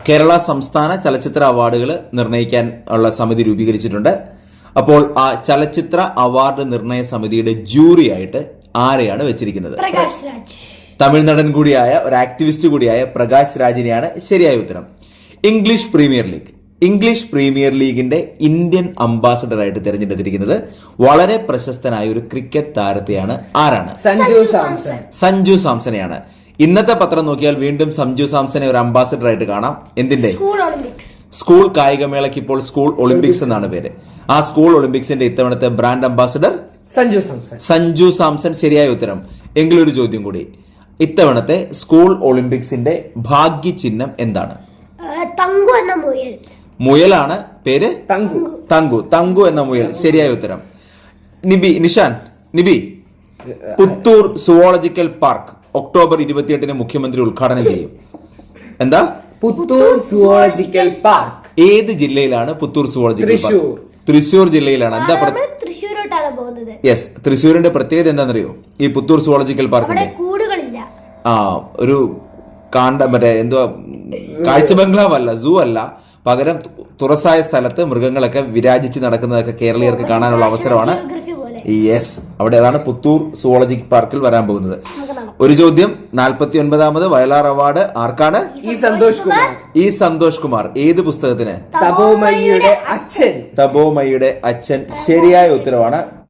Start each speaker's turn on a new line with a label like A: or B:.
A: കേരള സംസ്ഥാന ചലച്ചിത്ര അവാർഡുകൾ നിർണ്ണയിക്കാൻ ഉള്ള സമിതി രൂപീകരിച്ചിട്ടുണ്ട്. അപ്പോൾ ആ ചലച്ചിത്ര അവാർഡ് നിർണയ സമിതിയുടെ ജൂറി ആയിട്ട് ആരെയാണ് വെച്ചിരിക്കുന്നത്? തമിഴ്നടൻ കൂടിയായ ഒരു ആക്ടിവിസ്റ്റ് കൂടിയായ പ്രകാശ് രാജിനെയാണ് ശരിയായ ഉത്തരം. ഇംഗ്ലീഷ് പ്രീമിയർ ലീഗിന്റെ ഇന്ത്യൻ അംബാസഡറായിട്ട് തിരഞ്ഞെടുത്തിരിക്കുന്നത് വളരെ പ്രശസ്തനായ ഒരു ക്രിക്കറ്റ് താരത്തെയാണ്. ആരാണ്? സഞ്ജു സാംസനെയാണ്. ഇന്നത്തെ പത്രം നോക്കിയാൽ വീണ്ടും സഞ്ജു സാംസനെ ഒരു അംബാസഡർ ആയിട്ട് കാണാം. എന്തിന്റെ? സ്കൂൾ കായികമേളയ്ക്ക് ഇപ്പോൾ സ്കൂൾ ഒളിമ്പിക്സ് എന്നാണ് പേര്. ആ സ്കൂൾ ഒളിമ്പിക്സിന്റെ ഇത്തവണത്തെ ബ്രാൻഡ് അംബാസഡർ സഞ്ജു സാംസൺ. ശരിയായ ഉത്തരം. എങ്കിലൊരു ചോദ്യം കൂടി. ഇത്തവണത്തെ സ്കൂൾ ഒളിമ്പിക്സിന്റെ ഭാഗ്യ ചിഹ്നം എന്താണ്? മുയലാണ് പേര്. തങ്കു എന്ന മുയൽ. ശരിയായ ഉത്തരം. Nishan, Puthur zoological park October 28 മുഖ്യമന്ത്രി ഉദ്ഘാടനം ചെയ്യും. എന്താ?
B: പുത്തൂർ സുവോളജിക്കൽ പാർക്ക്
A: ഏത് ജില്ലയിലാണ് പുത്തൂർ സുവോളജിക്കൽ പാർക്ക്? തൃശൂർ ജില്ലയിലാണ്. എന്താ? യെസ്, തൃശ്ശൂരിന്റെ പ്രത്യേകത എന്താണെന്നറിയോ? ഈ പുത്തൂർ സുവോളജിക്കൽ പാർക്കിന്റെ ഒരു മറ്റേ എന്തുവാ, കാഴ്ച ബംഗ്ലാവ് അല്ല, സൂ അല്ല, പകരം തുറസായ സ്ഥലത്ത് മൃഗങ്ങളൊക്കെ വിരാജിച്ച് നടക്കുന്നതൊക്കെ കേരളീയർക്ക് കാണാനുള്ള അവസരമാണ്. യെസ്, അവിടെ അതാണ് പുത്തൂർ സുവോളജിക്കൽ പാർക്കിൽ വരാൻ പോകുന്നത്. ഒരു ചോദ്യം. 49ാമത് വയലാർ അവാർഡ് ആർക്കാണ്? ഈ സന്തോഷ് കുമാർ. ഏത് പുസ്തകത്തിന്?
B: തപോമയിയുടെ അച്ഛൻ.
A: ശരിയായ ഉത്തരവാണ്.